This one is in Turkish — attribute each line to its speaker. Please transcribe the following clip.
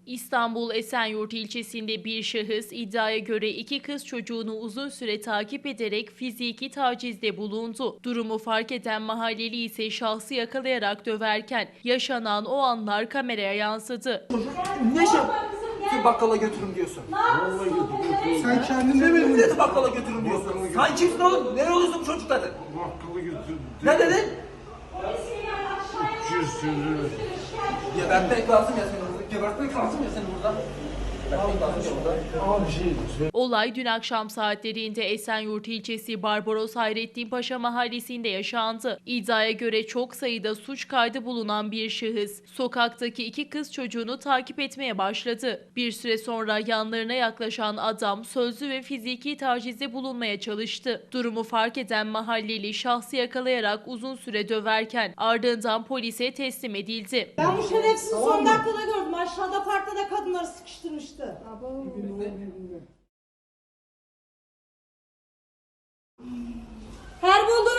Speaker 1: İstanbul Esenyurt ilçesinde bir şahıs iddiaya göre iki kız çocuğunu uzun süre takip ederek fiziki tacizde bulundu. Durumu fark eden mahalleli ise şahsı yakalayarak döverken yaşanan o anlar kameraya yansıdı.
Speaker 2: Ne şey? Sen bakkala götürün diyorsun.
Speaker 3: Sen kendin demedin mi?
Speaker 2: Ne bakkala götürün diyorsun? Sen kimsin oğlum? Nereye oluyorsun bu çocukları?
Speaker 3: Bakkala götürdüm.
Speaker 2: Ne dedin?
Speaker 3: 200 sözü.
Speaker 2: Gebertmek lazım ya seni burada. Gebertmek lazım ya seni burada. Gebertmek lazım ya burada.
Speaker 3: Ama bir şey söyle.
Speaker 1: Olay dün akşam saatlerinde Esenyurt ilçesi Barbaros Hayrettin Paşa mahallesinde yaşandı. İddiaya göre çok sayıda suç kaydı bulunan bir şahıs sokaktaki iki kız çocuğunu takip etmeye başladı. Bir süre sonra yanlarına yaklaşan adam sözlü ve fiziki tacizde bulunmaya çalıştı. Durumu fark eden mahalleli şahsı yakalayarak uzun süre döverken ardından polise teslim edildi.
Speaker 4: Ben bu şerefsizi son dakikada gördüm. Aşağıda parkta da kadınları sıkıştırmıştı. Her bulduğunu